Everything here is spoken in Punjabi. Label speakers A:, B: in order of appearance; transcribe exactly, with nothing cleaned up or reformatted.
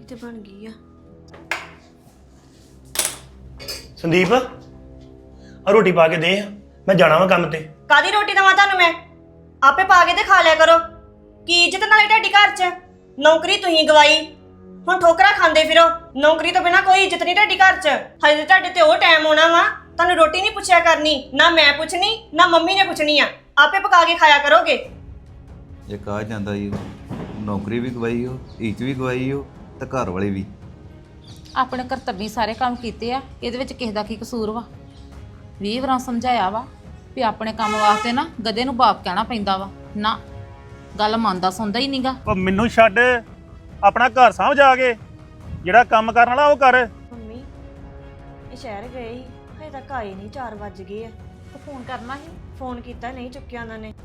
A: ਰੋਟੀ ਤੇ ਬਣ ਗਈ ਆ।
B: ਸੰਦੀਪ ਆ ਰੋਟੀ ਪਾ ਕੇ ਦੇ, ਮੈਂ ਜਾਣਾ ਵਾ ਕੰਮ ਤੇ।
A: ਕਾਦੀ ਰੋਟੀ ਦਵਾਂ ਤੁਹਾਨੂੰ ਮੈਂ? ਆਪੇ ਪਾ ਕੇ ਤੇ ਖਾ ਲਿਆ ਕਰੋ। ਕੀ ਇੱਜ਼ਤ ਨਾਲੇ ਤੁਹਾਡੀ ਘਰ 'ਚ? ਨੌਕਰੀ ਤੁਸੀਂ ਗਵਾਈ, ਹੁਣ ਠੋਕਰਾ ਖਾਂਦੇ ਫਿਰੋ। ਨੌਕਰੀ ਤੋਂ ਬਿਨਾ ਕੋਈ ਇੱਜ਼ਤ ਨਹੀਂ ਤੁਹਾਡੀ ਘਰ 'ਚ। ਹਜੇ ਤੁਹਾਡੇ ਤੇ ਉਹ ਟਾਈਮ ਆਉਣਾ ਵਾ ਤੁਹਾਨੂੰ ਰੋਟੀ ਨਹੀਂ ਪੁੱਛਿਆ ਕਰਨੀ, ਨਾ ਮੈਂ ਪੁੱਛਣੀ ਨਾ ਮੰਮੀ ਨੇ ਪੁੱਛਣੀ ਆ। ਆਪੇ ਪਕਾ ਕੇ ਖਾਇਆ ਕਰੋਗੇ।
C: ਜੇ ਕਾ ਜਾਂਦਾ ਜੀ ਨੌਕਰੀ ਵੀ ਗਵਾਈ ਹੋ, ਇੱਜ਼ਤ ਵੀ ਗਵਾਈ ਹੋ ਤੇ ਘਰ ਵਾਲੇ ਵੀ।
D: ਆਪਣੇ ਕਰਤੱਵੀ ਸਾਰੇ ਕੰਮ ਕੀਤੇ ਆ, ਇਹਦੇ ਵਿੱਚ ਕਿਸ ਦਾ ਕੀ ਕਸੂਰ ਵਾ? ਵੀਹ ਵਾਰਾਂ ਸਮਝਾਇਆ ਵਾ ਵੀ ਆਪਣੇ ਕੰਮ ਵਾਸਤੇ ਨਾ ਗਧੇ ਨੂੰ ਬਾਪ ਕਹਿਣਾ ਪੈਂਦਾ ਵਾ। ਨਾ ਗੱਲ ਮੰਨਦਾ ਸੁਣਦਾ ਹੀ ਨਹੀਂਗਾ।
E: ਉਹ ਮੈਨੂੰ ਛੱਡ, ਆਪਣਾ ਘਰ ਸਾਂਭ ਜਾ ਕੇ, ਜਿਹੜਾ ਕੰਮ ਕਰਨ ਵਾਲਾ ਉਹ ਕਰ।
A: ਮੰਮੀ ਇਹ ਸ਼ਹਿਰ ਗਏ ਸੀ, ਹਜੇ ਤੱਕ ਆਏ ਨਹੀਂ। ਚਾਰ ਵੱਜ ਗਏ ਆ।
D: ਤੂੰ ਫੋਨ ਕਰਨਾ ਸੀ?
A: ਫੋਨ ਕੀਤਾ ਨਹੀਂ ਚੁੱਕਿਆ ਉਹਨਾਂ ਨੇ।